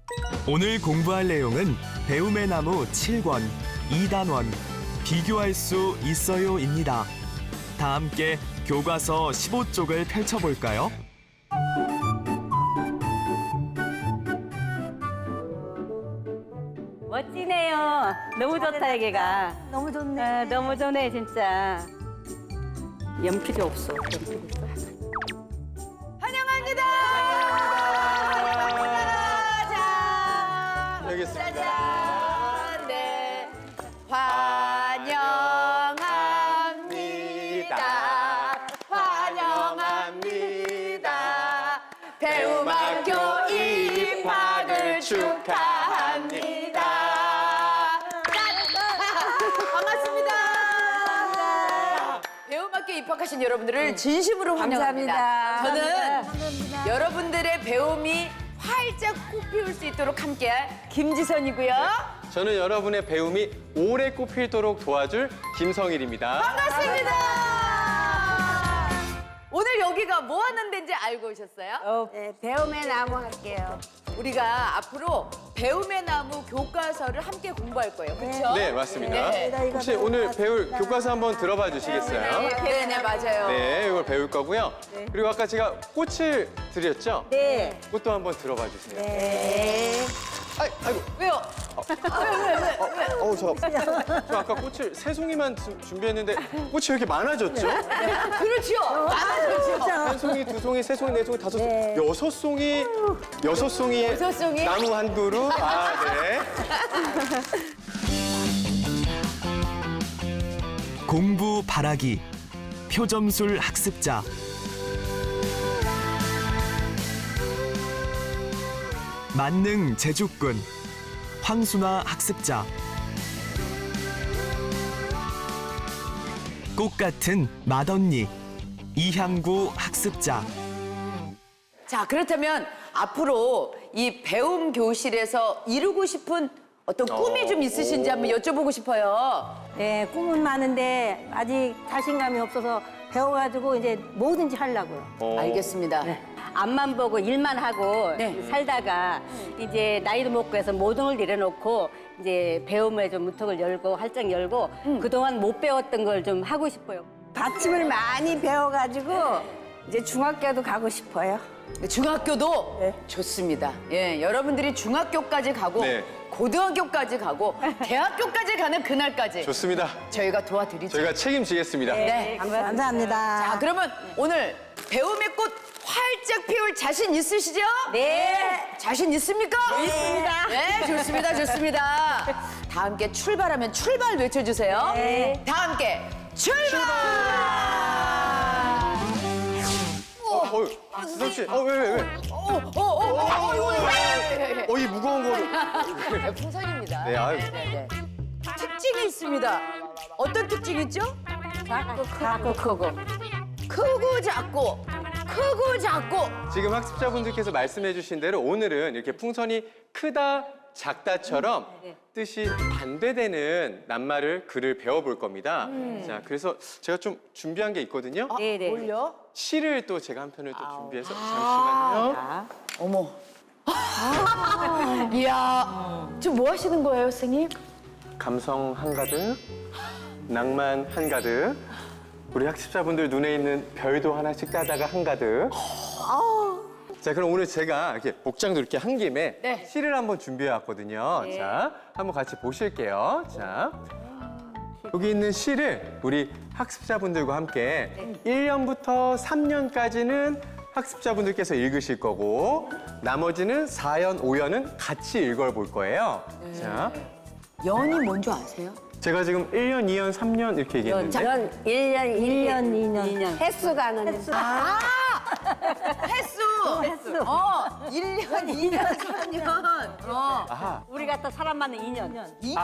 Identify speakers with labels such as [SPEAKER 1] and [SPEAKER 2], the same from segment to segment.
[SPEAKER 1] 오늘 공부할 내용은 배움의 나무 7권, 2단원, 비교할 수 있어요입니다. 다 함께 교과서 15쪽을 펼쳐볼까요?
[SPEAKER 2] 멋지네요. 너무 좋다, 여기가.
[SPEAKER 3] 너무 좋네.
[SPEAKER 2] 아, 너무 좋네, 진짜. 연필이 없어.
[SPEAKER 3] 환영합니다. 자,
[SPEAKER 4] 여기 있습니다.
[SPEAKER 3] 짜잔. 네. 환영합니다. 환영합니다. 배움학교 입학을 축하합니다. 반갑습니다. 배움학교 입학하신 여러분들을 진심으로 환영합니다.
[SPEAKER 2] 감사합니다.
[SPEAKER 3] 저는 여러분들의 배움이 활짝 꽃피울 수 있도록 함께할 김지선이고요.
[SPEAKER 4] 저는 여러분의 배움이 오래 꽃피도록 도와줄 김성일입니다.
[SPEAKER 3] 반갑습니다. 오늘 여기가 뭐 하는 데인지 알고 오셨어요?
[SPEAKER 5] 네, 배움의 나무 할게요.
[SPEAKER 3] 우리가 앞으로 배움의 나무 교과서를 함께 공부할 거예요. 그렇죠?
[SPEAKER 4] 네, 맞습니다.
[SPEAKER 3] 네.
[SPEAKER 4] 혹시 오늘 배울 교과서 한번 들어봐 주시겠어요?
[SPEAKER 3] 네, 맞아요.
[SPEAKER 4] 네, 이걸 배울 거고요. 그리고 아까 제가 꽃을 드렸죠?
[SPEAKER 5] 네.
[SPEAKER 4] 꽃도 한번 들어봐 주세요.
[SPEAKER 5] 네.
[SPEAKER 4] 아이고.
[SPEAKER 3] 왜요?
[SPEAKER 4] 저 아까 꽃을 세 송이만 준비했는데 꽃이 왜 이렇게 많아졌죠?
[SPEAKER 3] 그렇죠. 많아졌죠.
[SPEAKER 4] 한 송이, 두 송이, 세 송이, 네 송이, 다섯 송이, 여섯 송이, 여섯 송이에
[SPEAKER 3] 여섯 송이?
[SPEAKER 4] 나무 한 그루. 아, 네.
[SPEAKER 1] 공부 바라기, 표점술 학습자. 만능 제주꾼, 황순아 학습자. 꽃 같은 맏언니, 이향구 학습자.
[SPEAKER 3] 자, 그렇다면 앞으로 이 배움 교실에서 이루고 싶은 어떤 꿈이 좀 있으신지 한번 여쭤보고 싶어요.
[SPEAKER 5] 네, 꿈은 많은데 아직 자신감이 없어서 배워가지고 이제 뭐든지 하려고요.
[SPEAKER 3] 알겠습니다.
[SPEAKER 2] 앞만 보고 일만 하고
[SPEAKER 3] 네.
[SPEAKER 2] 살다가 이제 나이도 먹고 해서 모든 걸 내려놓고 이제 배움에 좀 문턱을 열고 활짝 열고 그동안 못 배웠던 걸 좀 하고 싶어요.
[SPEAKER 5] 받침을 많이 배워가지고 이제 중학교도 가고 싶어요.
[SPEAKER 3] 중학교도
[SPEAKER 5] 네.
[SPEAKER 3] 좋습니다. 예, 여러분들이 중학교까지 가고
[SPEAKER 4] 네.
[SPEAKER 3] 고등학교까지 가고 대학교까지 가는 그날까지
[SPEAKER 4] 좋습니다.
[SPEAKER 3] 저희가 도와드리죠.
[SPEAKER 4] 저희가 책임지겠습니다.
[SPEAKER 3] 네.
[SPEAKER 5] 감사합니다.
[SPEAKER 3] 자, 그러면 오늘 배움의 꽃 활짝 피울 자신 있으시죠?
[SPEAKER 2] 네.
[SPEAKER 3] 자신 있습니까? 있습니다. 네, 좋습니다, 좋습니다. 다 함께 출발하면 출발 외쳐주세요.
[SPEAKER 5] 네.
[SPEAKER 3] 다 함께 출발!
[SPEAKER 4] 지성 씨, 왜? 이 무거운 거를.
[SPEAKER 3] 풍선입니다.
[SPEAKER 4] 네, 아유.
[SPEAKER 3] 네. 특징이 있습니다. 어떤 특징이 있죠?
[SPEAKER 5] 작고 크고.
[SPEAKER 3] 크고 작고, 크고 작고.
[SPEAKER 4] 지금 학습자분들께서 말씀해주신 대로 오늘은 이렇게 풍선이 크다, 작다처럼 뜻이 반대되는 낱말을 글을 배워볼 겁니다. 자, 그래서 제가 좀 준비한 게 있거든요.
[SPEAKER 2] 네네.
[SPEAKER 3] 뭘요?
[SPEAKER 4] 시를 또 제가 한 편을 또 준비해서 잠시만요.
[SPEAKER 3] 어머. 이야, 지금 뭐 하시는 거예요, 선생님?
[SPEAKER 4] 감성 한가득, 낭만 한가득, 우리 학습자분들 눈에 있는 별도 하나씩 따다가 한가득. 자, 그럼 오늘 제가 이렇게 복장도 이렇게 한 김에
[SPEAKER 3] 네.
[SPEAKER 4] 시를 한번 준비해 왔거든요. 자, 한번 같이 보실게요. 자, 여기 있는 시를 우리 학습자분들과 함께 1년부터 3년까지는 학습자분들께서 읽으실 거고 나머지는 4년, 5년은 같이 읽어볼 거예요. 자,
[SPEAKER 3] 연이 뭔지 아세요?
[SPEAKER 4] 제가 지금 1년, 2년, 3년 이렇게 얘기했는데
[SPEAKER 5] 전 1년, 2년. 횟수 가는.
[SPEAKER 3] 횟수!
[SPEAKER 5] 횟수.
[SPEAKER 3] 1년, 2년, 3년.
[SPEAKER 4] 아하,
[SPEAKER 2] 우리 같은 사람 많은 2년.
[SPEAKER 3] 2년.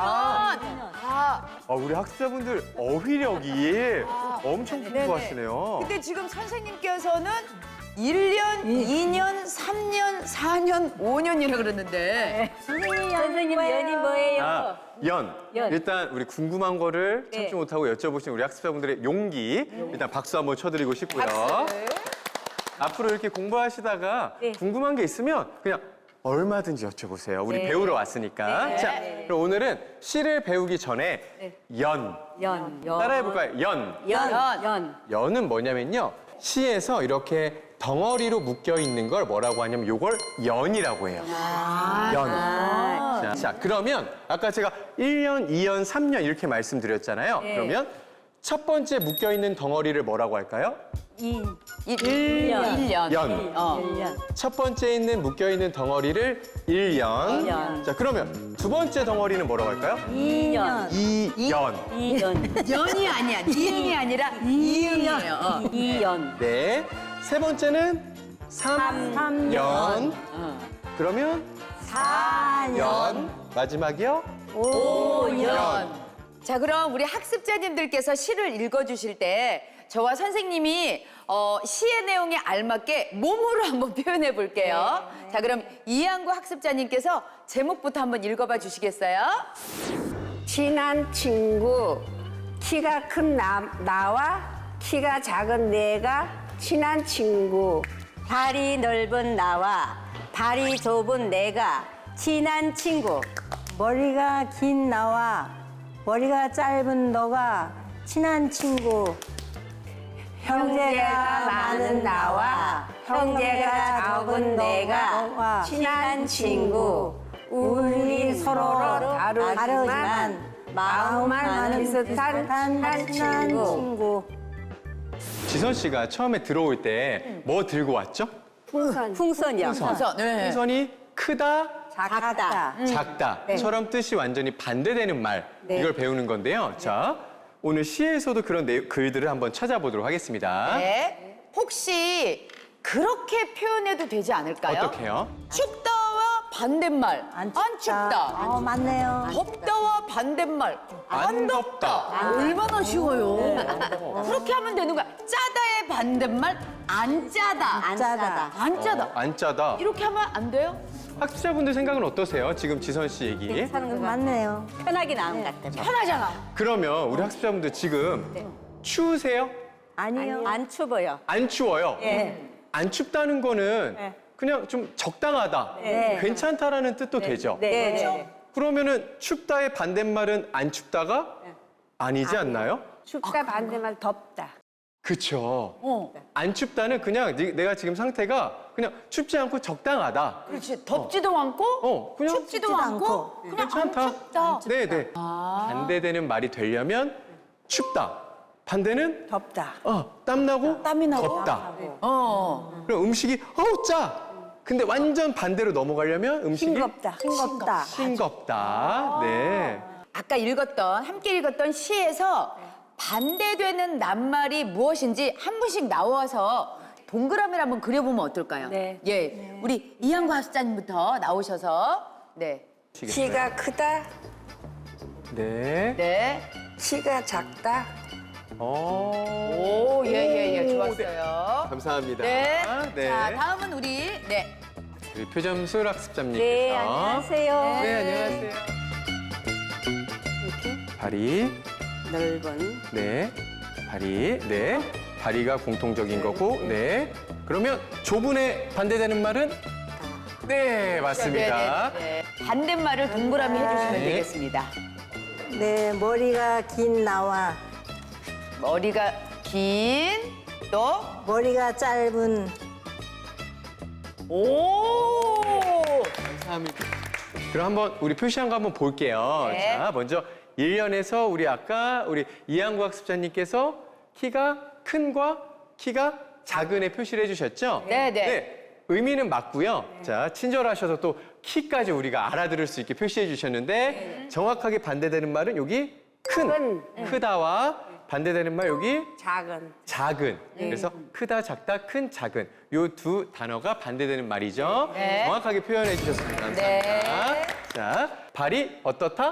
[SPEAKER 4] 우리 학습자분들 어휘력이 엄청 풍부하시네요.
[SPEAKER 3] 근데 지금 선생님께서는 1년, 2년, 3년, 4년, 5년이라 그러는데
[SPEAKER 2] 선생님 연이 뭐예요?
[SPEAKER 4] 아, 연. 일단 우리 궁금한 거를 참지 못하고 여쭤보신 우리 학습자분들의 용기 일단 박수 한번 쳐드리고 싶고요. 앞으로 이렇게 공부하시다가 궁금한 게 있으면 그냥 얼마든지 여쭤보세요. 우리 배우러 왔으니까. 자, 그럼 오늘은 시를 배우기 전에 연.
[SPEAKER 2] 연.
[SPEAKER 4] 따라해볼까요? 연.
[SPEAKER 2] 연.
[SPEAKER 4] 연은 뭐냐면요. 시에서 이렇게 덩어리로 묶여 있는 걸 뭐라고 하냐면 요걸 연이라고 해요. 연. 자, 그러면 아까 제가 1년, 2년, 3년 이렇게 말씀드렸잖아요. 그러면 첫 번째 묶여 있는 덩어리를 뭐라고 할까요?
[SPEAKER 3] 1년.
[SPEAKER 4] 연.
[SPEAKER 2] 1년.
[SPEAKER 4] 첫 번째 있는 묶여 있는 덩어리를 1년.
[SPEAKER 2] 년.
[SPEAKER 4] 자, 그러면 두 번째 덩어리는 뭐라고 할까요?
[SPEAKER 2] 2년.
[SPEAKER 4] 2년.
[SPEAKER 2] 2년.
[SPEAKER 3] 연이 아니야. 니은이 아니라 이응이에요.
[SPEAKER 2] 2년.
[SPEAKER 4] 네. 세 번째는 3년. 그러면 4년. 마지막이요?
[SPEAKER 3] 5년. 자, 그럼 우리 학습자님들께서 시를 읽어주실 때 저와 선생님이 시의 내용에 알맞게 몸으로 한번 표현해 볼게요. 자, 그럼 이한구 학습자님께서 제목부터 한번 읽어봐 주시겠어요?
[SPEAKER 6] 친한 친구, 키가 큰 나와 키가 작은 내가 친한 친구.
[SPEAKER 2] 발이 넓은 나와 발이 좁은 내가 친한 친구.
[SPEAKER 5] 머리가 긴 나와 머리가 짧은 너가 친한 친구.
[SPEAKER 6] 형제가 많은 나와 형제가 적은 내가 친한 친구. 우리 서로 다르지만 마음만 비슷한 한 친구.
[SPEAKER 4] 지선 씨가 처음에 들어올 때 뭐 들고 왔죠?
[SPEAKER 2] 풍선이요.
[SPEAKER 3] 그래서
[SPEAKER 4] 풍선이 크다,
[SPEAKER 2] 작다.
[SPEAKER 4] 작다처럼 뜻이 완전히 반대되는 말 이걸 배우는 건데요. 자, 오늘 시에서도 그런 글들을 한번 찾아보도록 하겠습니다.
[SPEAKER 3] 네. 혹시 그렇게 표현해도 되지 않을까요?
[SPEAKER 4] 어떻게요?
[SPEAKER 3] 춥다와 반대말. 안 춥다.
[SPEAKER 5] 맞네요.
[SPEAKER 3] 덥다와 반대말.
[SPEAKER 4] 안 덥다.
[SPEAKER 3] 얼마나 쉬워요. 그렇게 하면 되는 거야. 짜다의 반대말 안 짜다.
[SPEAKER 5] 짜다.
[SPEAKER 3] 안 짜다.
[SPEAKER 4] 안 짜다.
[SPEAKER 3] 이렇게 하면 안 돼요?
[SPEAKER 4] 학습자분들 생각은 어떠세요? 지금 지선 씨 얘기.
[SPEAKER 5] 맞네요.
[SPEAKER 2] 편하게 나온 것 같아요.
[SPEAKER 3] 편하잖아.
[SPEAKER 4] 그러면 우리 학습자분들 지금 추우세요?
[SPEAKER 5] 아니요.
[SPEAKER 2] 안 추워요.
[SPEAKER 4] 안 추워요?
[SPEAKER 2] 예.
[SPEAKER 4] 안 춥다는 거는
[SPEAKER 2] 네.
[SPEAKER 4] 그냥 좀 적당하다,
[SPEAKER 2] 네.
[SPEAKER 4] 괜찮다라는 뜻도 되죠?
[SPEAKER 2] 네. 네.
[SPEAKER 4] 그러면은 춥다의 반대말은 안 춥다가 아니지 않나요?
[SPEAKER 6] 춥다 반대말 덥다.
[SPEAKER 4] 그쵸. 안 춥다는 그냥 내가 지금 상태가 그냥 춥지 않고 적당하다.
[SPEAKER 3] 그렇지. 덥지도 않고
[SPEAKER 4] 그냥
[SPEAKER 3] 춥지도 않고 그냥
[SPEAKER 4] 괜찮다.
[SPEAKER 3] 안 춥다.
[SPEAKER 4] 네네. 반대되는 말이 되려면 춥다. 반대는
[SPEAKER 5] 덥다.
[SPEAKER 4] 땀나고
[SPEAKER 3] 땀이 나고.
[SPEAKER 4] 덥다.
[SPEAKER 3] 그럼
[SPEAKER 4] 그럼 음식이 짜. 근데 완전 반대로 넘어가려면 음식이
[SPEAKER 5] 싱겁다.
[SPEAKER 4] 싱겁다. 네.
[SPEAKER 3] 아까 함께 읽었던 시에서 반대되는 낱말이 무엇인지 한 분씩 나와서 동그라미를 한번 그려보면 어떨까요?
[SPEAKER 2] 네.
[SPEAKER 3] 예, 우리 이한구 학습자님부터 나오셔서 네,
[SPEAKER 6] 키가 크다,
[SPEAKER 4] 네.
[SPEAKER 3] 네,
[SPEAKER 6] 키가 작다.
[SPEAKER 3] 오, 예, 좋았어요.
[SPEAKER 4] 감사합니다.
[SPEAKER 3] 네,
[SPEAKER 4] 네.
[SPEAKER 3] 자 다음은 우리
[SPEAKER 4] 우리 표점술 학습자님께서.
[SPEAKER 2] 네, 안녕하세요.
[SPEAKER 4] 네, 안녕하세요. 발이,
[SPEAKER 2] 넓은
[SPEAKER 4] 네. 발이, 네. 다리가 공통적인 거고, 네. 그러면 좁은에 반대되는 말은? 네, 맞습니다.
[SPEAKER 3] 네. 반대말을 동그라미 해주시면
[SPEAKER 4] 네.
[SPEAKER 3] 되겠습니다.
[SPEAKER 5] 네, 머리가 긴 나와
[SPEAKER 3] 머리가 긴, 또
[SPEAKER 5] 머리가 짧은
[SPEAKER 3] 오,
[SPEAKER 4] 감사합니다. 그럼 한번 우리 표시한 거 한번 볼게요.
[SPEAKER 3] 네.
[SPEAKER 4] 자, 먼저 1년에서 우리 이한구 학습자님께서 키가 큰과 키가 작은의 표시를 해주셨죠?
[SPEAKER 3] 네.
[SPEAKER 4] 의미는 맞고요. 자, 친절하셔서 또 키까지 우리가 알아들을 수 있게 표시해 주셨는데 정확하게 반대되는 말은 여기 크다와 반대되는 말 여기 작은. 그래서 크다, 작다, 큰, 작은. 요 두 단어가 반대되는 말이죠.
[SPEAKER 3] 네.
[SPEAKER 4] 정확하게 표현해 주셨습니다. 감사합니다.
[SPEAKER 3] 네.
[SPEAKER 4] 자, 발이 어떻다?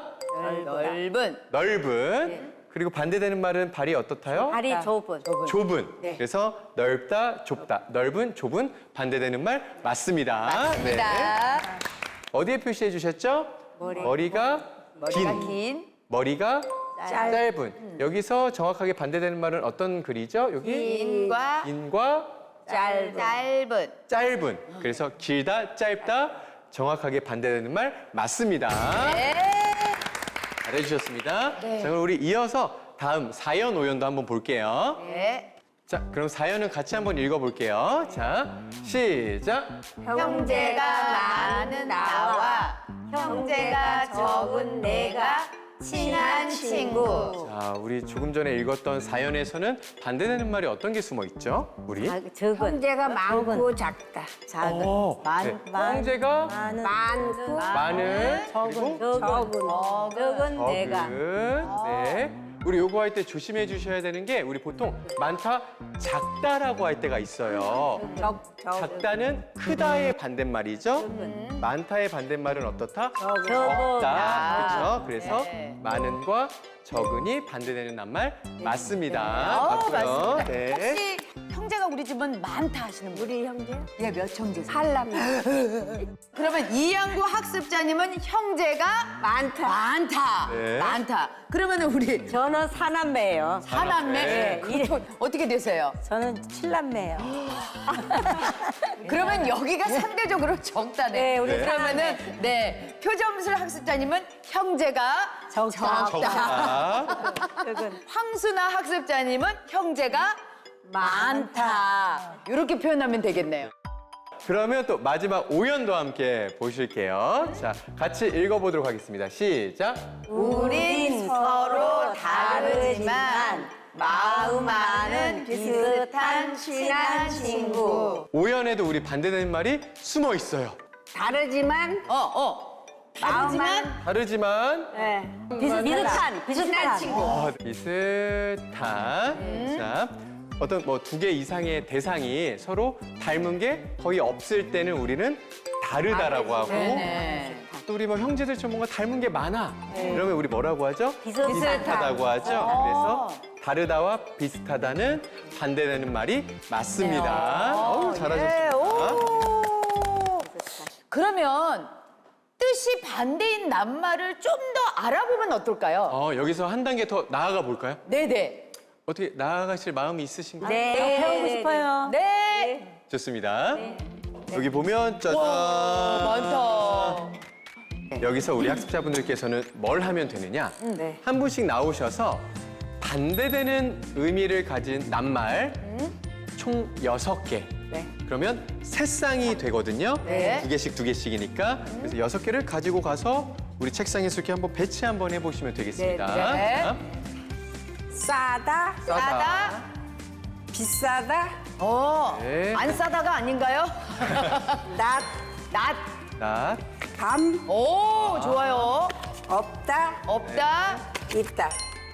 [SPEAKER 4] 넓은. 그리고 반대되는 말은 발이 어떻다요?
[SPEAKER 2] 발이 좁은.
[SPEAKER 4] 좁은. 그래서 넓다, 좁다. 넓은, 좁은. 반대되는 말 맞습니다.
[SPEAKER 3] 맞습니다.
[SPEAKER 4] 어디에 표시해 주셨죠? 머리가 긴. 머리가 짧은. 여기서 정확하게 반대되는 말은 어떤 글이죠? 여기
[SPEAKER 3] 긴과
[SPEAKER 4] 긴과
[SPEAKER 3] 짧은.
[SPEAKER 4] 짧은. 그래서 길다, 짧다, 정확하게 반대되는 말 맞습니다.
[SPEAKER 3] 네.
[SPEAKER 4] 잘해주셨습니다.
[SPEAKER 3] 네.
[SPEAKER 4] 자, 그럼 우리 이어서 다음 4연, 5연도 한번 볼게요.
[SPEAKER 3] 네.
[SPEAKER 4] 자, 그럼 4연은 같이 한번 읽어볼게요. 자, 시작.
[SPEAKER 3] 형제가 많은 나와 형제가 적은 내가 친한 친구.
[SPEAKER 4] 자, 우리 조금 전에 읽었던 4연에서는 반대되는 말이 어떤 게 숨어 있죠? 우리?
[SPEAKER 2] 아, 적은.
[SPEAKER 6] 형제가 많고 작다.
[SPEAKER 2] 작은.
[SPEAKER 4] 네. 형제가
[SPEAKER 6] 많고
[SPEAKER 4] 많은
[SPEAKER 2] 적은.
[SPEAKER 4] 그리고
[SPEAKER 2] 적은 내가.
[SPEAKER 4] 적은. 네. 우리 요거 할 때 조심해 주셔야 되는 게 우리 보통 많다, 작다라고 할 때가 있어요. 작다는 크다의 반대말이죠. 많다의 반대말은 어떻다? 적다. 그렇죠? 그래서
[SPEAKER 3] 네.
[SPEAKER 4] 많은과 적은이 반대되는 낱말 맞습니다. 맞고요.
[SPEAKER 3] 맞습니다.
[SPEAKER 4] 네.
[SPEAKER 3] 혹시 형제가 우리 집은 많다 하시는 분?
[SPEAKER 6] 우리 형제
[SPEAKER 3] 예, 몇 형제세요?
[SPEAKER 6] 팔남
[SPEAKER 3] 그러면 이양구 학습자님은 형제가 많다.
[SPEAKER 4] 네.
[SPEAKER 3] 많다. 그러면 우리
[SPEAKER 2] 저는 사남매예요.
[SPEAKER 3] 사남매 어떻게 되세요?
[SPEAKER 5] 저는 칠남매예요.
[SPEAKER 3] 그러면 여기가 상대적으로 적다네.
[SPEAKER 2] 네, 우리
[SPEAKER 3] 그러면은 네 표점술 학습자님은 형제가 적다.
[SPEAKER 4] 적다.
[SPEAKER 3] 황순아 학습자님은 형제가 많다. 이렇게 표현하면 되겠네요.
[SPEAKER 4] 그러면 또 마지막 5연도 함께 보실게요. 자, 같이 읽어보도록 하겠습니다. 시작.
[SPEAKER 3] 우린 서로 다르지만 마음만은 비슷한 친한 친구.
[SPEAKER 4] 5연에도 우리 반대되는 말이 숨어 있어요.
[SPEAKER 6] 다르지만
[SPEAKER 3] 다르지만
[SPEAKER 4] 다르지만
[SPEAKER 2] 비슷한 친구.
[SPEAKER 4] 비슷한. 자, 어떤 뭐 2개 이상의 대상이 서로 닮은 게 거의 없을 때는 우리는 다르다라고 하고
[SPEAKER 3] 네네.
[SPEAKER 4] 또 우리 뭐 형제들처럼 뭔가 닮은 게 많아. 이러면 우리 뭐라고 하죠?
[SPEAKER 2] 비슷하다.
[SPEAKER 4] 비슷하다고 하죠. 그래서 다르다와 비슷하다는 반대되는 말이 맞습니다. 어우, 잘하셨습니다.
[SPEAKER 3] 그러면 뜻이 반대인 낱말을 좀 더 알아보면 어떨까요?
[SPEAKER 4] 여기서 한 단계 더 나아가 볼까요?
[SPEAKER 3] 네네.
[SPEAKER 4] 어떻게 나아가실 마음이 있으신가요?
[SPEAKER 2] 네.
[SPEAKER 5] 배우고 싶어요.
[SPEAKER 3] 네.
[SPEAKER 4] 좋습니다. 여기 보면 짜잔.
[SPEAKER 3] 많다.
[SPEAKER 4] 여기서 우리 학습자분들께서는 뭘 하면 되느냐? 한 분씩 나오셔서 반대되는 의미를 가진 낱말 총 6개. 그러면 세 쌍이 되거든요.
[SPEAKER 3] 네.
[SPEAKER 4] 2개씩 2개씩이니까. 그래서 6개를 가지고 가서 우리 책상에 이렇게 한번 배치 한번 해보시면 되겠습니다.
[SPEAKER 3] 네.
[SPEAKER 4] 자,
[SPEAKER 6] 싸다
[SPEAKER 3] 싸다.
[SPEAKER 6] 비싸다
[SPEAKER 4] 네.
[SPEAKER 3] 안 싸다가 아닌가요?
[SPEAKER 6] 낫
[SPEAKER 3] 낫.
[SPEAKER 6] 밤
[SPEAKER 3] 오, 좋아요.
[SPEAKER 6] 없다
[SPEAKER 3] 없다.
[SPEAKER 6] 있다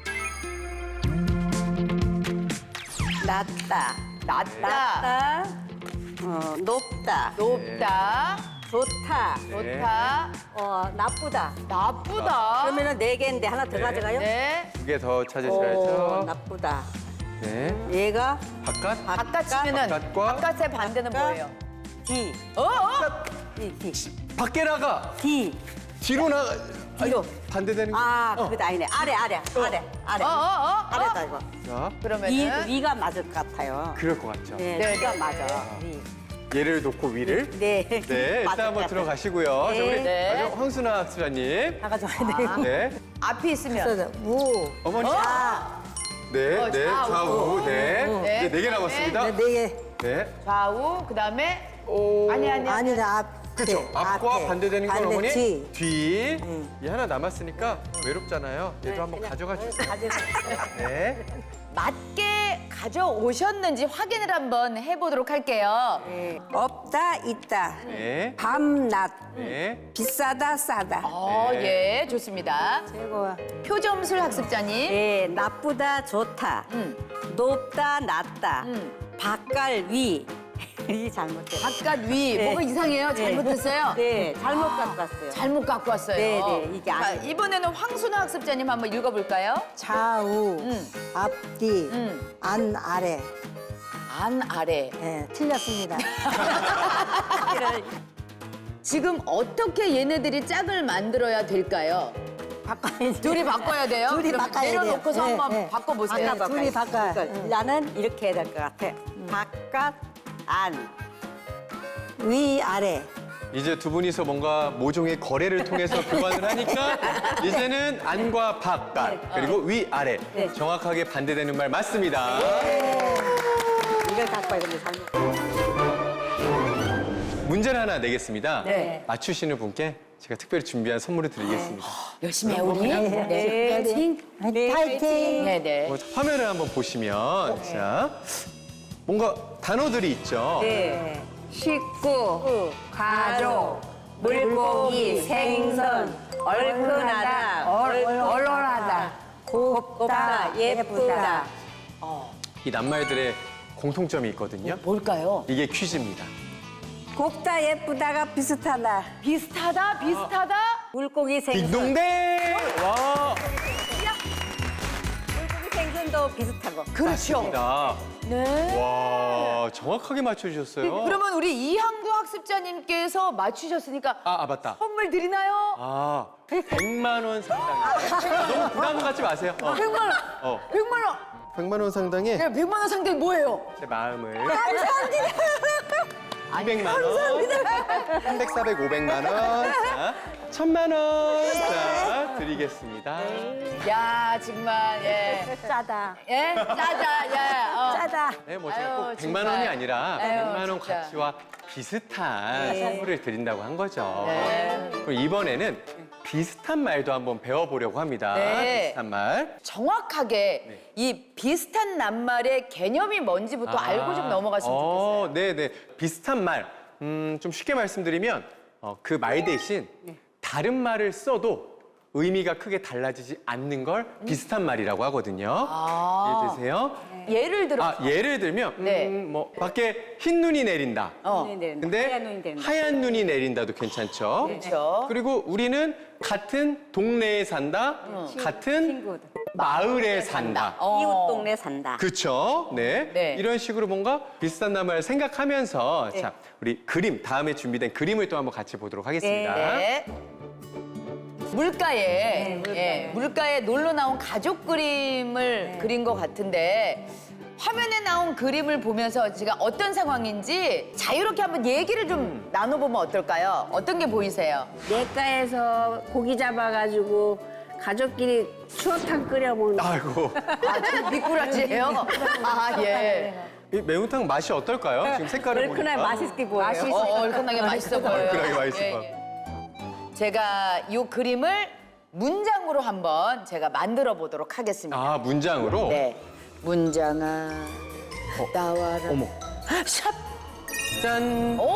[SPEAKER 2] 낮다.
[SPEAKER 3] 낮다.
[SPEAKER 2] 높다.
[SPEAKER 3] 높다.
[SPEAKER 2] 좋다.
[SPEAKER 3] 좋다.
[SPEAKER 2] 나쁘다.
[SPEAKER 3] 나쁘다.
[SPEAKER 2] 그러면은 4개인데 하나 더 가져가요?
[SPEAKER 3] 네.
[SPEAKER 4] 2개 더 찾으셔야죠.
[SPEAKER 2] 나쁘다.
[SPEAKER 4] 네.
[SPEAKER 2] 얘가
[SPEAKER 4] 바깥.
[SPEAKER 3] 바깥 치면은
[SPEAKER 4] 바깥과
[SPEAKER 3] 바깥의 반대는 뭐예요?
[SPEAKER 2] D. D.
[SPEAKER 4] 밖에 나가.
[SPEAKER 2] D.
[SPEAKER 4] 뒤로 나가.
[SPEAKER 2] 뒤로.
[SPEAKER 4] 반대되는 거.
[SPEAKER 2] 그거다 아니네. 아래. 아래다 이거.
[SPEAKER 4] 자,
[SPEAKER 3] 그러면은
[SPEAKER 2] 위가 맞을 것 같아요.
[SPEAKER 4] 그럴 것 같죠.
[SPEAKER 2] 네,
[SPEAKER 3] 네,
[SPEAKER 2] 위가
[SPEAKER 3] 네,
[SPEAKER 2] 맞아.
[SPEAKER 3] 네.
[SPEAKER 2] 위.
[SPEAKER 4] 얘를 놓고 위를.
[SPEAKER 2] 네.
[SPEAKER 4] 네, 일단
[SPEAKER 2] 맞을
[SPEAKER 4] 한번
[SPEAKER 2] 것
[SPEAKER 4] 들어가시고요. 자, 우리
[SPEAKER 3] 네.
[SPEAKER 4] 마지막 황순아 학습자님.
[SPEAKER 5] 다 가져와야 돼요.
[SPEAKER 4] 네.
[SPEAKER 3] 앞이 있으면
[SPEAKER 5] 우.
[SPEAKER 4] 어머니. 네, 네,
[SPEAKER 3] 좌우.
[SPEAKER 4] 좌우. 네.
[SPEAKER 3] 네,
[SPEAKER 4] 네, 4개 남았습니다.
[SPEAKER 5] 네 개.
[SPEAKER 4] 네.
[SPEAKER 3] 좌우 그다음에
[SPEAKER 4] 오.
[SPEAKER 3] 아니.
[SPEAKER 5] 아니다, 앞.
[SPEAKER 4] 그렇죠. 앞과
[SPEAKER 5] 앞에.
[SPEAKER 4] 반대되는 건
[SPEAKER 5] 반대,
[SPEAKER 4] 어머니?
[SPEAKER 5] 뒤.
[SPEAKER 4] 뒤. 이 하나 남았으니까 외롭잖아요. 얘도 한번 가져가 주세요. 네.
[SPEAKER 3] 맞게 가져오셨는지 확인을 한번 해보도록 할게요.
[SPEAKER 6] 없다 있다
[SPEAKER 4] 네.
[SPEAKER 6] 밤낮
[SPEAKER 4] 네.
[SPEAKER 6] 비싸다 싸다
[SPEAKER 3] 예, 좋습니다.
[SPEAKER 5] 최고야.
[SPEAKER 3] 표점술 학습자님.
[SPEAKER 2] 네, 나쁘다, 좋다. 높다, 낮다. 바깥, 위. 이 잘못됐어요.
[SPEAKER 3] 바깥 위.
[SPEAKER 2] 네.
[SPEAKER 3] 뭐가 이상해요? 잘못했어요?
[SPEAKER 2] 네, 잘못 갖고 왔어요.
[SPEAKER 3] 잘못 갖고 왔어요.
[SPEAKER 2] 네, 네, 이게
[SPEAKER 3] 자,
[SPEAKER 2] 아니에요.
[SPEAKER 3] 이번에는 황순아 학습자님 한번 읽어볼까요?
[SPEAKER 5] 좌우, 앞뒤, 안 아래.
[SPEAKER 3] 안 아래.
[SPEAKER 5] 네, 틀렸습니다.
[SPEAKER 3] 지금 어떻게 얘네들이 짝을 만들어야 될까요?
[SPEAKER 5] 바꿔야지.
[SPEAKER 3] 둘이 바꿔야 돼요?
[SPEAKER 5] 둘이
[SPEAKER 3] 그럼
[SPEAKER 5] 바꿔야 돼요.
[SPEAKER 3] 내려놓고서
[SPEAKER 5] 네,
[SPEAKER 3] 한번
[SPEAKER 5] 네.
[SPEAKER 3] 바꿔보세요.
[SPEAKER 5] 둘이 바꿔.
[SPEAKER 2] 나는 이렇게 해야 될 것 같아. 바깥, 안.
[SPEAKER 5] 위, 아래.
[SPEAKER 4] 이제 두 분이서 뭔가 모종의 거래를 통해서 교환을 하니까 이제는 안과 바깥 그리고 위 아래 정확하게 반대되는 말 맞습니다.
[SPEAKER 5] 이걸 갖고 와야 됩니다.
[SPEAKER 4] 문제를 하나 내겠습니다.
[SPEAKER 3] 네.
[SPEAKER 4] 맞추시는 분께 제가 특별히 준비한 선물을 드리겠습니다.
[SPEAKER 3] 열심히 해 우리. 네.
[SPEAKER 5] 파이팅!
[SPEAKER 3] 네네.
[SPEAKER 4] 화면을 한번 보시면 자 뭔가 단어들이 있죠.
[SPEAKER 5] 네. 식구, 가족, 물고기, 생선, 얼큰하다, 얼얼하다, 곱다, 예쁘다.
[SPEAKER 4] 이 낱말들의 공통점이 있거든요.
[SPEAKER 3] 뭘까요?
[SPEAKER 4] 이게 퀴즈입니다.
[SPEAKER 5] 곱다, 예쁘다가 비슷하다.
[SPEAKER 3] 비슷하다, 비슷하다.
[SPEAKER 2] 물고기 생선.
[SPEAKER 4] 딩동댕! 와,
[SPEAKER 2] 물고기 생선도 비슷하고.
[SPEAKER 3] 그렇죠.
[SPEAKER 4] 맞습니다.
[SPEAKER 3] 네.
[SPEAKER 4] 와, 정확하게 맞춰주셨어요.
[SPEAKER 3] 그러면 우리 이항구 학습자님께서 맞추셨으니까
[SPEAKER 4] 맞다.
[SPEAKER 3] 선물 드리나요?
[SPEAKER 4] 100만 원 상당이에요. 너무 부담 갖지 마세요.
[SPEAKER 3] 100만 원. 100만 원.
[SPEAKER 4] 100만 원 상당의
[SPEAKER 3] 네, 100만 원 상당히 뭐예요?
[SPEAKER 4] 제 마음을. 감사합니다. 200만 원. 300, 400, 500만 원. 자, 1000만 원. 자, 드리겠습니다.
[SPEAKER 3] 야, 정말 예.
[SPEAKER 5] 짜다.
[SPEAKER 3] 예? 짜자. 예.
[SPEAKER 5] 짜다.
[SPEAKER 4] 네, 뭐 제가 꼭
[SPEAKER 3] 아유,
[SPEAKER 4] 100만
[SPEAKER 3] 정말.
[SPEAKER 4] 원이 아니라
[SPEAKER 3] 아유,
[SPEAKER 4] 100만 원
[SPEAKER 3] 진짜.
[SPEAKER 4] 가치와 비슷한 선물을 드린다고 한 거죠.
[SPEAKER 3] 네.
[SPEAKER 4] 그럼 이번에는 비슷한 말도 한번 배워보려고 합니다.
[SPEAKER 3] 네.
[SPEAKER 4] 비슷한 말.
[SPEAKER 3] 정확하게 이 비슷한 낱말의 개념이 뭔지부터 알고 좀 넘어갔으면 좋겠어요.
[SPEAKER 4] 네네. 비슷한 말. 좀 쉽게 말씀드리면 그 말 대신 다른 말을 써도 의미가 크게 달라지지 않는 걸 비슷한 말이라고 하거든요. 이해되세요?
[SPEAKER 3] 예를 들어
[SPEAKER 4] 예를 들면
[SPEAKER 3] 네.
[SPEAKER 4] 뭐 밖에 흰 눈이 내린다.
[SPEAKER 2] 눈이 내린다.
[SPEAKER 4] 근데
[SPEAKER 2] 하얀 눈이 내린다.
[SPEAKER 4] 하얀 눈이 내린다도 괜찮죠.
[SPEAKER 3] 그렇죠.
[SPEAKER 4] 그리고 우리는 같은 동네에 산다, 같은
[SPEAKER 2] 친구들.
[SPEAKER 4] 마을에 산다.
[SPEAKER 2] 이웃 동네 산다.
[SPEAKER 4] 그렇죠. 네.
[SPEAKER 3] 네.
[SPEAKER 4] 이런 식으로 뭔가 비슷한 단어를 생각하면서 자, 우리 그림 다음에 준비된 그림을 또 한번 같이 보도록 하겠습니다.
[SPEAKER 3] 네. 물가에 놀러 나온 가족 그림을 그린 것 같은데 화면에 나온 그림을 보면서 제가 어떤 상황인지 자유롭게 한번 얘기를 좀 나눠보면 어떨까요? 어떤 게 보이세요?
[SPEAKER 5] 냇가에서 고기 잡아가지고 가족끼리 추어탕 끓여 먹는 거.
[SPEAKER 4] 아이고.
[SPEAKER 3] 저 미꾸라지예요? 예.
[SPEAKER 4] 이 매운탕 맛이 어떨까요? 지금 색깔을
[SPEAKER 2] 얼큰하게
[SPEAKER 4] 보니까.
[SPEAKER 2] 맛있게 보여요.
[SPEAKER 3] 얼큰하게 맛있어 보여요.
[SPEAKER 4] 얼큰하게 맛있어 보여요.
[SPEAKER 3] 제가 이 그림을 문장으로 한번 제가 만들어 보도록 하겠습니다.
[SPEAKER 4] 문장으로?
[SPEAKER 3] 네. 문장아, 나와라.
[SPEAKER 4] 어머.
[SPEAKER 3] 샵!
[SPEAKER 4] 짠.
[SPEAKER 3] 오!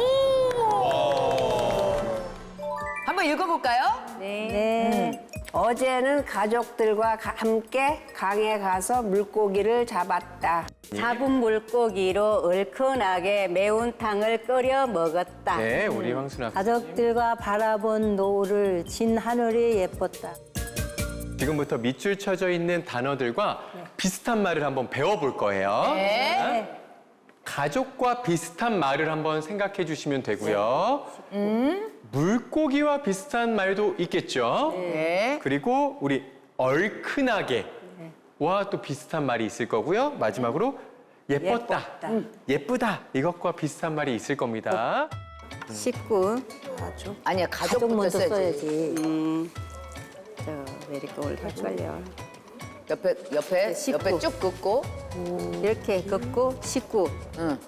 [SPEAKER 3] 한번 읽어볼까요?
[SPEAKER 5] 네. 어제는 가족들과 함께 강에 가서 물고기를 잡았다.
[SPEAKER 2] 잡은 물고기로 얼큰하게 매운탕을 끓여 먹었다.
[SPEAKER 4] 네, 우리 황순아.
[SPEAKER 5] 가족들과 바라본 노을을 진 하늘이 예뻤다.
[SPEAKER 4] 지금부터 밑줄 쳐져 있는 단어들과 비슷한 말을 한번 배워볼 거예요.
[SPEAKER 3] 네.
[SPEAKER 4] 자, 가족과 비슷한 말을 한번 생각해 주시면 되고요. 물고기와 비슷한 말도 있겠죠.
[SPEAKER 3] 네.
[SPEAKER 4] 그리고 우리 얼큰하게 와 또 비슷한 말이 있을 거고요. 마지막으로 예뻤다, 예쁘다 이것과 비슷한 말이 있을 겁니다.
[SPEAKER 5] 식구.
[SPEAKER 3] 아니야,
[SPEAKER 5] 가족
[SPEAKER 3] 가족부터
[SPEAKER 5] 먼저
[SPEAKER 3] 써야지.
[SPEAKER 5] 써야지.
[SPEAKER 2] 왜 이렇게 헷갈려.
[SPEAKER 3] 옆에
[SPEAKER 5] 식구.
[SPEAKER 3] 쭉 긋고.
[SPEAKER 5] 이렇게 긋고 식구.
[SPEAKER 3] 응.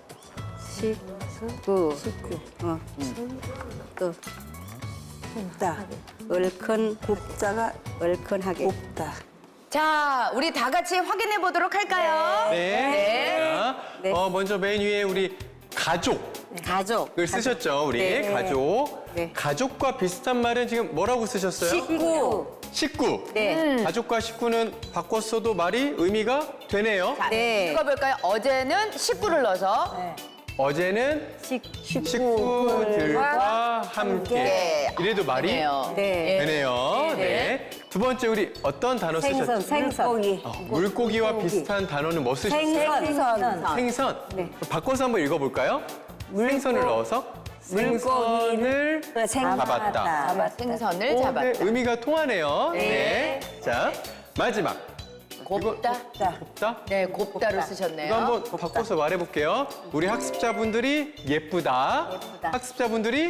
[SPEAKER 2] 식구.
[SPEAKER 5] 또 곱다. 얼큰 곱다가 얼큰하게. 곱다.
[SPEAKER 3] 자, 우리 다 같이 확인해 보도록 할까요?
[SPEAKER 4] 네.
[SPEAKER 3] 네.
[SPEAKER 4] 자, 먼저 맨 위에 우리 가족을
[SPEAKER 2] 가족.
[SPEAKER 4] 쓰셨죠, 우리
[SPEAKER 2] 네.
[SPEAKER 4] 가족.
[SPEAKER 2] 네.
[SPEAKER 4] 가족과 비슷한 말은 지금 뭐라고 쓰셨어요?
[SPEAKER 2] 식구.
[SPEAKER 4] 식구.
[SPEAKER 2] 네.
[SPEAKER 4] 가족과 식구는 바꿨어도 말이 의미가 되네요.
[SPEAKER 3] 자,
[SPEAKER 2] 네.
[SPEAKER 3] 읽어볼까요? 어제는 식구를 넣어서
[SPEAKER 4] 어제는
[SPEAKER 2] 식구.
[SPEAKER 4] 식구들과 함께. 이래도 말이
[SPEAKER 3] 네요.
[SPEAKER 2] 네.
[SPEAKER 4] 되네요. 네. 두 번째 우리 어떤 단어 쓰셨죠?
[SPEAKER 2] 생선.
[SPEAKER 4] 물고기와 비슷한 단어는 뭐 쓰셨어요?
[SPEAKER 2] 생선.
[SPEAKER 4] 생선. 바꿔서 한번 읽어볼까요? 생선을 넣어서 생선을 잡았다.
[SPEAKER 3] 생선을
[SPEAKER 4] 네,
[SPEAKER 3] 잡았다.
[SPEAKER 4] 의미가 통하네요. 네. 자, 마지막.
[SPEAKER 3] 곱다.
[SPEAKER 4] 곱다?
[SPEAKER 3] 네, 곱다를 쓰셨네요.
[SPEAKER 4] 이거 한번 바꿔서 말해볼게요. 우리 학습자분들이 예쁘다. 학습자분들이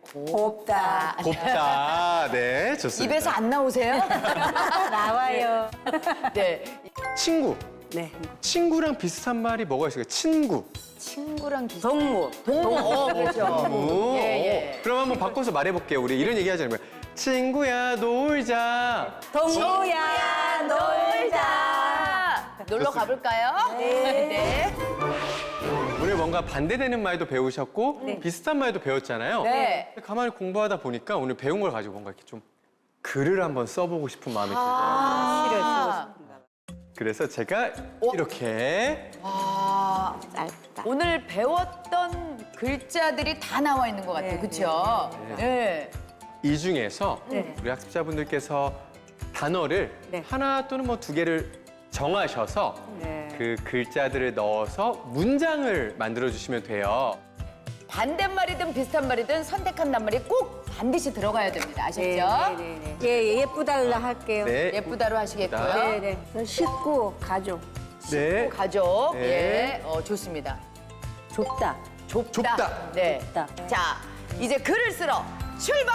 [SPEAKER 6] 곱다.
[SPEAKER 4] 곱다. 네, 좋습니다.
[SPEAKER 3] 입에서 안 나오세요?
[SPEAKER 5] 나와요.
[SPEAKER 3] 네.
[SPEAKER 4] 친구.
[SPEAKER 5] 네.
[SPEAKER 4] 친구랑 비슷한 말이 뭐가 있을까요? 친구.
[SPEAKER 3] 친구랑 비슷.
[SPEAKER 2] 동무.
[SPEAKER 3] 동무. 그렇죠.
[SPEAKER 4] 오.
[SPEAKER 3] 예.
[SPEAKER 4] 그럼 한번 바꿔서 말해볼게요. 우리 이런 얘기 하자는 거예요. 친구야, 놀자.
[SPEAKER 2] 동무야 놀자.
[SPEAKER 3] 놀러 가볼까요? 네.
[SPEAKER 4] 오늘 뭔가 반대되는 말도 배우셨고 비슷한 말도 배웠잖아요.
[SPEAKER 3] 네.
[SPEAKER 4] 근데 가만히 공부하다 보니까 오늘 배운 걸 가지고 뭔가 이렇게 좀 글을 한번 써보고 싶은 마음이 들어요.
[SPEAKER 3] 아.
[SPEAKER 4] 그래서 제가 이렇게
[SPEAKER 3] 와.
[SPEAKER 2] 짧다.
[SPEAKER 3] 오늘 배웠던 글자들이 다 나와 있는 것 같아요. 그렇죠? 네.
[SPEAKER 4] 이 중에서
[SPEAKER 2] 네.
[SPEAKER 4] 우리 학습자분들께서 단어를
[SPEAKER 2] 네.
[SPEAKER 4] 하나 또는 뭐 두 개를 정하셔서
[SPEAKER 2] 네.
[SPEAKER 4] 그 글자들을 넣어서 문장을 만들어 주시면 돼요.
[SPEAKER 3] 반대말이든 비슷한 말이든 선택한 낱말이 꼭 반드시 들어가야 됩니다. 아셨죠?
[SPEAKER 2] 네네네.
[SPEAKER 5] 예, 예쁘달라 할게요.
[SPEAKER 4] 네.
[SPEAKER 3] 예쁘다로 하시겠고요.
[SPEAKER 2] 네네.
[SPEAKER 5] 저 식구, 가족.
[SPEAKER 4] 네.
[SPEAKER 3] 가족.
[SPEAKER 4] 네.
[SPEAKER 3] 예. 좋습니다.
[SPEAKER 5] 좁다.
[SPEAKER 3] 좁다.
[SPEAKER 4] 좁다.
[SPEAKER 3] 네.
[SPEAKER 5] 좁다.
[SPEAKER 3] 자, 이제 글을 쓰러 출발!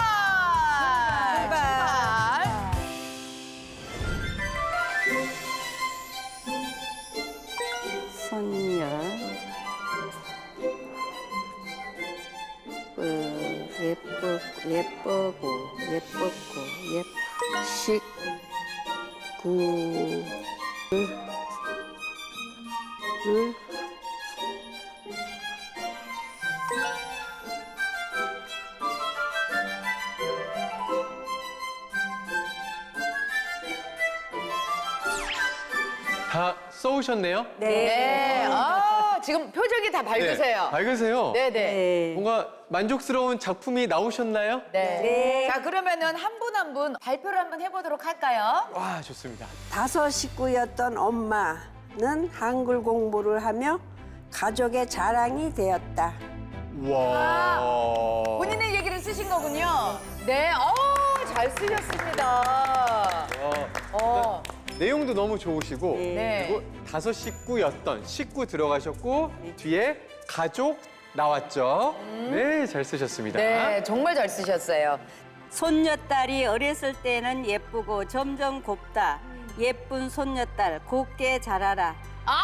[SPEAKER 2] 손녀. 예쁘고 식구.
[SPEAKER 4] 다 써오셨네요?
[SPEAKER 3] 네. 지금 표정이 다 밝으세요.
[SPEAKER 4] 네. 밝으세요.
[SPEAKER 3] 네네.
[SPEAKER 2] 네.
[SPEAKER 4] 뭔가 만족스러운 작품이 나오셨나요?
[SPEAKER 3] 네. 자, 그러면은 한 분 한 분 발표를 한번 해보도록 할까요?
[SPEAKER 4] 와, 좋습니다.
[SPEAKER 6] 5 식구였던 엄마는 한글 공부를 하며 가족의 자랑이 되었다.
[SPEAKER 4] 와.
[SPEAKER 3] 본인의 얘기를 쓰신 거군요. 네. 잘 쓰셨습니다.
[SPEAKER 4] 내용도 너무 좋으시고
[SPEAKER 3] 네.
[SPEAKER 4] 그리고 5 식구였던 식구 들어가셨고 뒤에 가족 나왔죠. 네, 잘 쓰셨습니다.
[SPEAKER 3] 네, 정말 잘 쓰셨어요.
[SPEAKER 2] 손녀딸이 어렸을 때는 예쁘고 점점 곱다. 예쁜 손녀딸 곱게 자라라.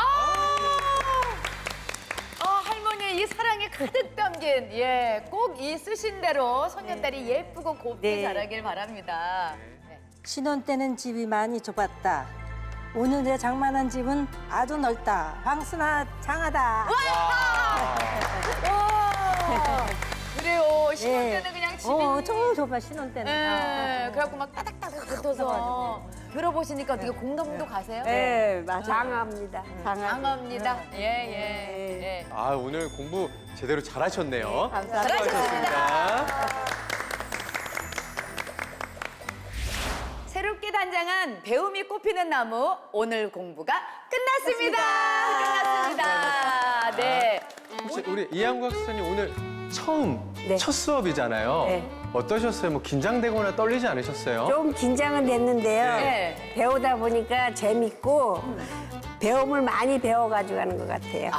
[SPEAKER 3] 할머니의 이 사랑이 가득 담긴, 꼭 이 쓰신 대로 손녀딸이 예쁘고 곱게
[SPEAKER 2] 네.
[SPEAKER 3] 자라길 바랍니다. 네.
[SPEAKER 5] 신혼 때는 집이 많이 좁았다. 오늘의 장만한 집은 아주 넓다. 황순아 장하다.
[SPEAKER 3] 그래요. 신혼
[SPEAKER 5] 네.
[SPEAKER 3] 때는 그냥 집이.
[SPEAKER 5] 저 좁아 신혼 때는.
[SPEAKER 3] 네, 그래갖고 막 따닥따닥 붙어서. 들어보시니까 어떻게 공감도 가세요?
[SPEAKER 5] 네, 맞아.
[SPEAKER 6] 장합니다.
[SPEAKER 3] 장합니다. 예.
[SPEAKER 4] 아, 오늘 공부 제대로 잘하셨네요.
[SPEAKER 3] 잘하셨습니다. 새롭게 단장한 배움이 꽃피는 나무 오늘 공부가 끝났습니다. 끝났습니다. 네.
[SPEAKER 4] 혹시 우리 이한구 학습자님 오늘 처음
[SPEAKER 5] 네.
[SPEAKER 4] 첫 수업이잖아요.
[SPEAKER 5] 네.
[SPEAKER 4] 어떠셨어요? 뭐 긴장되거나 떨리지 않으셨어요?
[SPEAKER 6] 좀 긴장은 됐는데요.
[SPEAKER 3] 네.
[SPEAKER 6] 배우다 보니까 재밌고 배움을 많이 배워가지고 가는 것 같아요.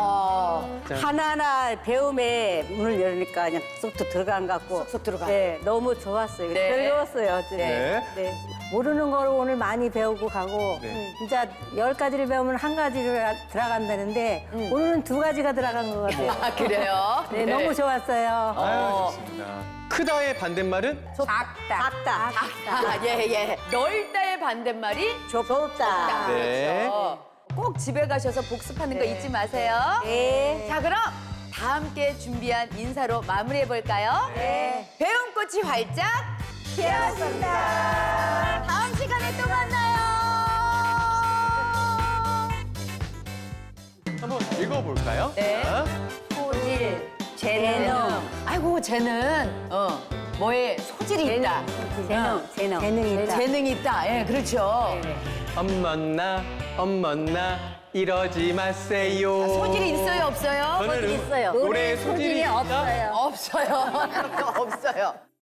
[SPEAKER 2] 하나하나 배움의 문을 열으니까 그냥 쏙쏙 들어간 것 같고.
[SPEAKER 3] 쏙쏙 들어가.
[SPEAKER 2] 네, 너무 좋았어요.
[SPEAKER 3] 네.
[SPEAKER 2] 즐거웠어요. 어쨌든.
[SPEAKER 4] 네.
[SPEAKER 2] 네.
[SPEAKER 5] 모르는 걸 오늘 많이 배우고 가고
[SPEAKER 4] 네.
[SPEAKER 5] 진짜 10가지를 배우면 한 가지를 들어간다는데 오늘은 2가지가 들어간 것 같아요.
[SPEAKER 3] 그래요?
[SPEAKER 5] 네, 너무 좋았어요.
[SPEAKER 4] 아유, 좋습니다. 크다의 반대말은?
[SPEAKER 5] 작다.
[SPEAKER 3] 예. 넓다의 반대말이
[SPEAKER 5] 좁다.
[SPEAKER 4] 네.
[SPEAKER 3] 그렇죠. 꼭 집에 가셔서 복습하는 거 잊지 마세요.
[SPEAKER 5] 네.
[SPEAKER 3] 자, 그럼 다 함께 준비한 인사로 마무리해 볼까요? 네. 배움꽃이 활짝 피었습니다. 다음 시간에 또 만나요.
[SPEAKER 4] 한번 읽어볼까요?
[SPEAKER 3] 네.
[SPEAKER 4] 자,
[SPEAKER 2] 소질, 재능.
[SPEAKER 3] 아이고, 쟤는 뭐에 소질이 있다.
[SPEAKER 2] 재능.
[SPEAKER 5] 재능이 있다.
[SPEAKER 3] 재능이 있다. 예, 그렇죠.
[SPEAKER 4] 엄먼나 이러지 마세요.
[SPEAKER 3] 소질이 있어요, 없어요?
[SPEAKER 4] 저는
[SPEAKER 2] 있어요.
[SPEAKER 4] 노래에 소질이 있다?
[SPEAKER 3] 없어요. 없어요.